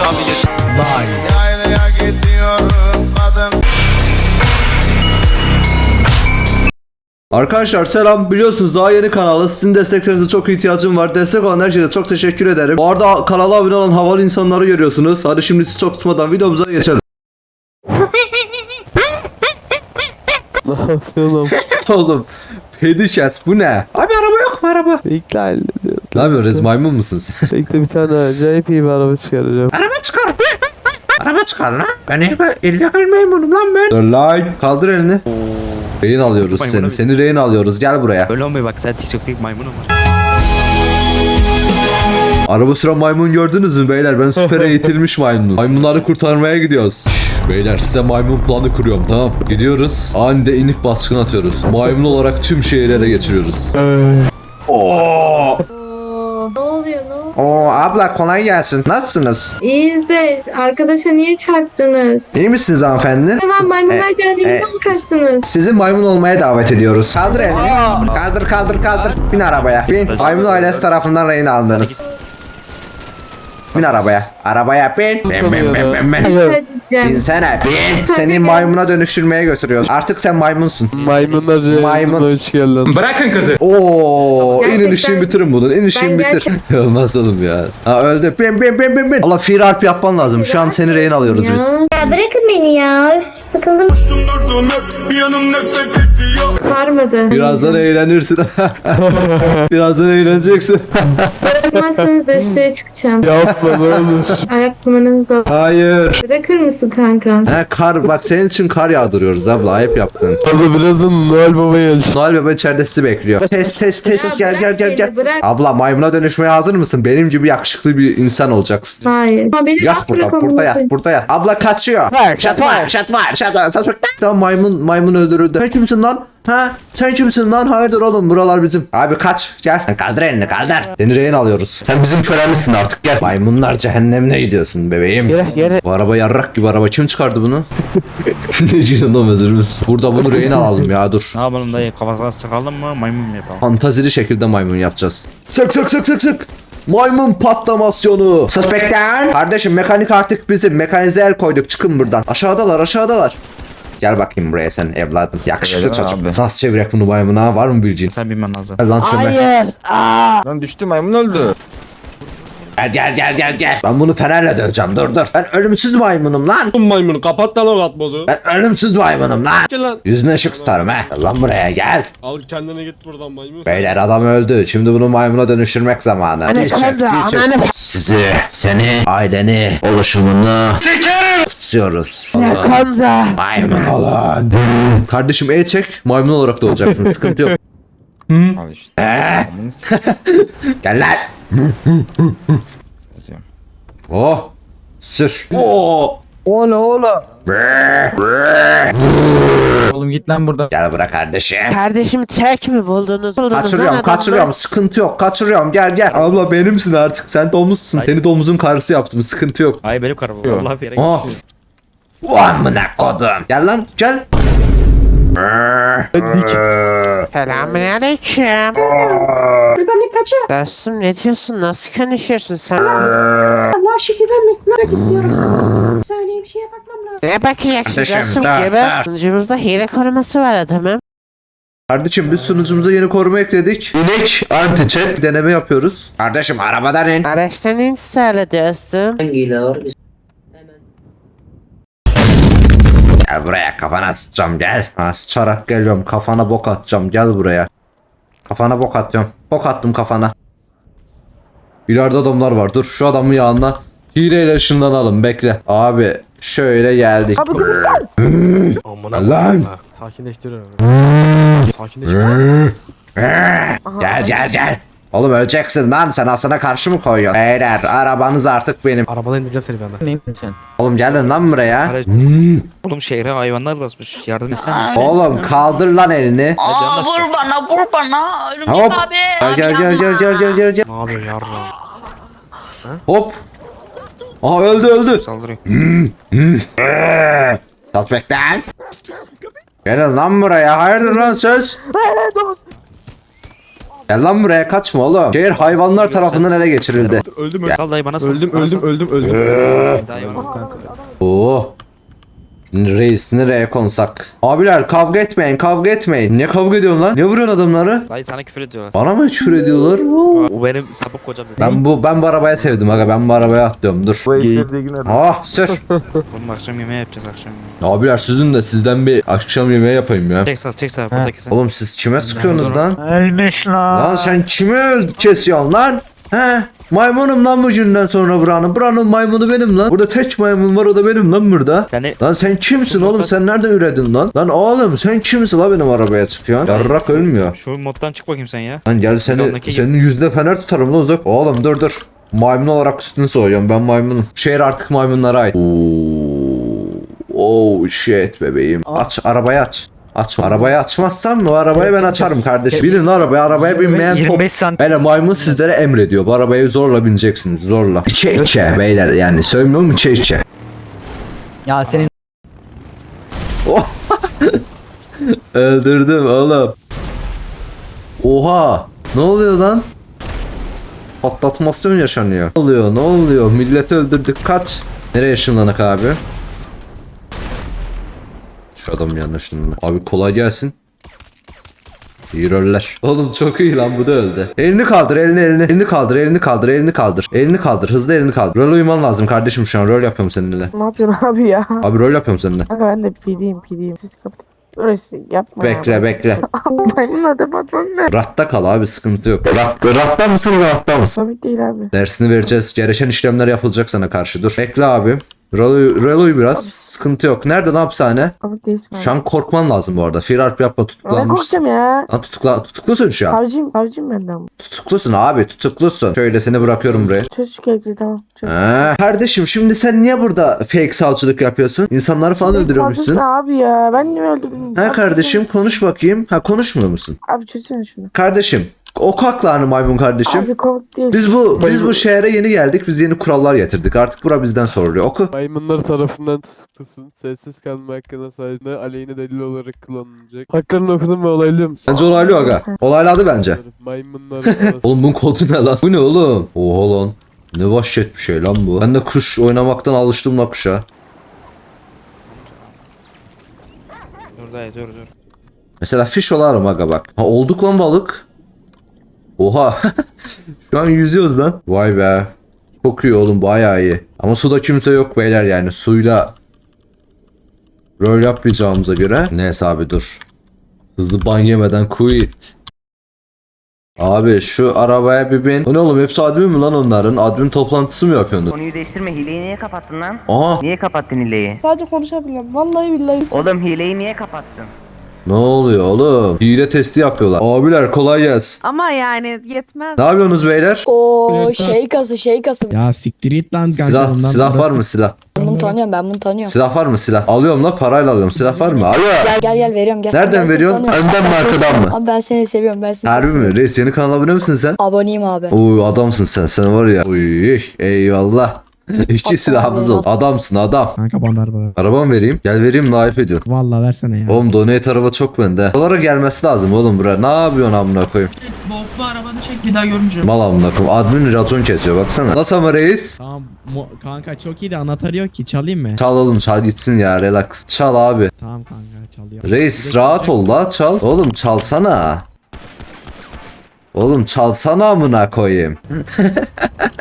Yaylaya gidiyorum kadın. Arkadaşlar selam, biliyorsunuz daha yeni kanalı, sizin desteklerinize çok ihtiyacım var. Destek olan herkese çok teşekkür ederim. Bu arada kanala abone olan havalı insanları görüyorsunuz. Hadi şimdi sizi çok tutmadan videomuza geçelim. Ne yapıyorsun? Oğlum Pedişes bu ne? Abi araba yok mu araba? Bekle hallediyorum. Ne yapıyorsun, maymun musun sen? Bekle, bir tane acayip iyi bir araba çıkaracağım. Araba çıkar. Araba çıkar lan. Ben illegal maymunum lan ben. Dur lan. Kaldır elini. Rehin alıyoruz seni. Seni rehin alıyoruz. Gel buraya. Öyle olmuyor bak, sen TikTok'taki maymunum var. Araba süren maymun gördünüz mü beyler? Ben süper eğitilmiş maymunum. Maymunları kurtarmaya gidiyoruz. Beyler size maymun planı kuruyorum, tamam. Gidiyoruz. Anide inip baskın atıyoruz. Maymun olarak tüm şehirlere geçiriyoruz. Oo. Ne oluyor ne oluyor? Oo abla kolay gelsin. Nasılsınız? İyiyiz de arkadaşa niye çarptınız? İyi misiniz hanımefendi? Hemen maymunlar cehennemize mi kaçtınız? Sizi maymun olmaya davet ediyoruz. Kaldır elini. Kaldır. Bin arabaya. Bin. Maymun ailesi tarafından rehin alındınız. Bin arabaya. Arabaya bin. Edeceğim. Binsene. Bin. Seni maymuna dönüştürmeye götürüyoruz. Artık sen maymunsun. Maymunlar Maymun. hoş geldin. Bırakın kızı. Oo, Gerçekten- inin işini bitirin bunun. İn işini Ben bitir. Olmaz oğlum ya. Ha öldü. Bin. Allah fiil harp yapman lazım. Şu an seni rehin alıyoruz Ya. biz. Ya bırakın beni ya. Üf, sıkıldım. Sarmadı. Birazdan eğlenirsin. Birazdan eğleneceksin. Bırakmazsanız desteğe çıkacağım. Yapma ne olur. Ayak numaranızı da. Hayır. Bırakır mısın kanka? He kar bak, senin için kar yağdırıyoruz abla, ayıp yaptın. Hadi birazdan Noel Baba gelecek. Noel Baba içeride sizi bekliyor. Test Ya gel. bırak beni, bırak. Abla maymuna dönüşmeye hazır mısın? Benim gibi yakışıklı bir insan olacaksın. Hayır. Ama beni Yat rahat burada, bırak burada amına yat. Abla kaçıyor. Şat var. Tamam, maymun öldürüldü. Sen kimsin lan? Ha? Sen kimsin lan? Hayırdır oğlum, buralar bizim. Abi kaç, gel. Kaldır elini, kaldır. Seni rehin alıyoruz. Sen bizim kölemizsin artık, gel. Maymunlar cehennemine gidiyorsun bebeğim. Yere. Bu araba yarrak gibi araba. Kim çıkardı bunu? Ne canım, özür müsün? Burada bunu rehin alalım ya, dur. Ne yapalım dayı, kafasına sıkalım mı, maymun mu yapalım? Fantazili şekilde maymun yapacağız. Sık. Maymun patlamasyonu. Suspekten. Kardeşim mekanik artık bizim. Mekanize el koyduk. Çıkın buradan. Aşağıdalar. Gel bakayım buraya sen evladım. Yakışıklı çocuk. Nasıl çevirek bunu maymuna? Var mı bildiğin? Sen bilmen lazım. Gel lan çöme. Lan düştü, maymun öldü. Gel. Ben bunu fenerle döveceğim. Dur. Ben ölümsüz maymunum lan. Maymun kapat lan o atmodu. Ben ölümsüz maymunum lan. Gel lan. Yüzüne ışık tutarım he. Gel lan buraya gel. Al kendine git buradan maymun. Beyler adam öldü. Şimdi bunu maymuna dönüştürmek zamanı. Seni, aileni, oluşumunu kutsuyoruz. Maymun olun. Kardeşim çek. Maymun olarak da olacaksın. Sıkıntı yok. Al işte. Gel lan. Oh. Sür. Oh. Ola. Oğlum git lan buradan. Gel bırak kardeşim. Kardeşimi tek mi buldunuz? Kaçırıyorum. Sıkıntı yok. Kaçırıyorum. Gel. Abla benimsin artık. Sen domuzsun. Seni domuzun karısı yaptım. Sıkıntı yok. Ay benim karım. Vallahi bir yere Oh. Amına kodum. Gel lan. Gel. Selamünaleyküm. Dostum ne diyorsun? Nasıl konuşuyorsun sen? Allah şükür ben Müslümanlık istiyorum. Söyleyeyim şeye bakmam lazım. Ne bakacaksın Kardeşim, dostum dur, gibi? Sunucumuzda hile koruması var adamım. Kardeşim biz sunucumuza yeni koruma ekledik. İnek anti-chat deneme yapıyoruz. Kardeşim arabadan in. Araçtan in söyle dostum. Gel buraya, kafana sıçacağım gel. Ha, sıçarak geliyorum, kafana bok atacağım, gel buraya. Kafana bok atıyorum. Bok attım kafana. İleride adamlar var, dur şu adamın yanına hileyle ışınlanalım, bekle. Abi şöyle geldik. Lan. Sakinleştiriyorum. Gel. Oğlum öleceksin lan, sen aslına karşı mı koyuyorsun? Beyler arabanız artık benim. Arabadan indireceğim seni benden. Oğlum gelin lan buraya. Oğlum şehre hayvanlar basmış. Yardım etsene. Oğlum kaldır lan elini. Aa, Vur bana. Örümcek Hop. abi. Gel. Ne yapıyorsun yardım? Hop. Aha öldü. Saldırıyor. Suspekten. Gelin lan buraya. Hayırdır lan söz? Gel lan buraya, kaçma oğlum. Şehir hayvanlar tarafından ele geçirildi. Öldüm Sal dayı bana sal. öldüm Bana öldüm sal. öldüm. Dayı bana. Kanka. Oo. Reis nereye konsak? Abiler kavga etmeyin, kavga etmeyin. Ne kavga ediyorsun lan? Ne vuruyorsun adamları? Dayı sana küfür ediyorlar. Bana mı küfür ediyorlar? O benim sapık kocam dedi. Ben bu arabayı sevdim aga, ben bu arabaya atlıyorum, dur. Ah sür. Oğlum akşam yemeği yapacağız akşam yemeği. Abiler sizden bir akşam yemeği yapayım ya. Çek sağ burada kesin. Oğlum siz kime sıkıyorsunuz lan? Ölmüş lan. Lan sen kimi kesiyorsun lan? He? Maymunum lan bu günden sonra buranın. Buranın maymunu benim lan. Burada tek maymun var, o da benim lan burada. Yani Lan sen kimsin oğlum? Sen nereden üredin lan? Lan oğlum sen kimsin lan benim arabaya çıkıyorsun? Yarrak ölmüyor. şu moddan çık bakayım sen ya. Lan gel Ondaki senin yüzde fener tutarım lan uzak. Oğlum dur. Maymun olarak üstünü soğuyorum, ben maymunum. Şehir artık maymunlara ait. Oh shit bebeğim. Aç arabayı aç. Açma. Arabayı açmazsan o arabayı ben açarım kardeşim. Binin arabaya binmeyen top. 25 santim. Böyle maymun sizlere emrediyor. Bu arabaya zorla bineceksiniz, zorla. İçe beyler, yani söylemiyor mu, içe. Ya senin Öldürdüm oğlum. Oha. Ne oluyor lan? Patlatmasyon yaşanıyor. Ne oluyor? Milleti öldürdük, kaç. Nereye ışınlanak abi? Şu adam yanlış. Abi kolay gelsin. İyi roller. Oğlum çok iyi lan, bu da öldü. Elini kaldır, elini kaldır, elini kaldır, hızlı elini kaldır. Rol uyman lazım kardeşim, şu an rol yapıyorum seninle. Ne yapıyorsun abi ya? Abi rol yapıyorum seninle. Kanka ben de pideyim. Siz kapatın. Orası yapma Bekle. Maymun adı patron ne? Rahatta kal abi, sıkıntı yok. Rahatta mısın, rahatta mısın? Komik değil abi. Dersini vereceğiz. Gereken işlemler yapılacak sana karşı. Dur. Bekle abi. Reloy biraz. Sıkıntı yok. Nerede lan hapishane? Komik değilsin abi. Şu an korkman lazım bu arada. Firar yapma, Ne tutuklanmışsın. korkacağım ya? Lan tutuklusun şu an. Harcım benden. Tutuklusun abi, tutuklusun. Şöyle seni bırakıyorum buraya. Çöz şu kelepçeyi tamam. Çöz. Kardeşim şimdi sen niye burada fake savcılık yapıyorsun? İnsanları falan öldürüyormuşsun. Ne abi ya? Ben niye öldürdüm? Ha kardeşim konuş bakayım. Ha konuşmuyor musun? Abi çözsene şunu. Kardeşim o kalk maymun kardeşim. Abi komik değil. Biz bu şehre yeni geldik. Biz yeni kurallar getirdik. Artık bura bizden soruluyor. Oku. Maymunlar tarafından tutuklusun. Sessiz kalma hakkına sahibine aleyhine delil olarak kullanılacak. Haklarını okudum ve olaylıyor musun? Bence olaylı aga. Olayladı bence. Maymunlar arasında Oğlum bunun kodu ne lan? Bu ne oğlum? Oha lan. Ne vahşet bir şey lan bu. Ben de kuş oynamaktan alıştım la kuşa. Dur dayı dur. Mesela fiş olarım aga bak. Ha olduk lan balık. Oha. Şu an yüzüyoruz lan. Vay be. Çok iyi oğlum, bayağı iyi. Ama suda kimse yok beyler, yani suyla rol yapmayacağımıza göre. Neyse abi dur. Hızlı ban yemeden quit. Abi şu arabaya bir bin. O ne oğlum, hepsi admin mi lan onların? Admin toplantısı mı yapıyorsunuz? Konuyu değiştirme, hileyi niye kapattın lan? Aha. Niye kapattın hileyi? Sadece konuşabiliyorum. Vallahi billahi. Oğlum hileyi niye kapattın? Ne oluyor oğlum? Hile testi yapıyorlar. Abiler kolay gelsin. Ama yani yetmez. Ne yapıyorsunuz beyler? Oo şey kası. Ya siktir git lan Silah var mı silah? Ben bunu tanıyorum. Silah var mı silah? Alıyorum la, parayla alıyorum. Silah var mı? Alo. Gel veriyorum gel. Nereden veriyorsun? Önden mi arkadan mı? Abi ben seni seviyorum. Harbi mi? Reis yeni kanala abone misin sen? Aboneyim abi. Uy adamsın sen. Sen var ya. Uy eyvallah. İşçi silahımız oldu. Adamsın adam. Kanka bandar bana. Araba mı vereyim? Gel vereyim, live ediyorsun. Vallahi versene ya. Oğlum donate araba çok bende. Buralara gelmesi lazım oğlum buraya. Ne yapıyorsun amına koyayım? Boklu arabanı çek bir daha görmeyeceğim. Mal amına koyayım. Admin racon kesiyor baksana. Nasıl ama reis? Tamam kanka çok iyi de anahtarı yok ki, çalayım mı? Çal oğlum, çal gitsin ya, relax. Çal abi. Tamam kanka çalıyor. Reis rahat ol la, çal. Oğlum çalsana. Oğlum çalsana amına koyayım.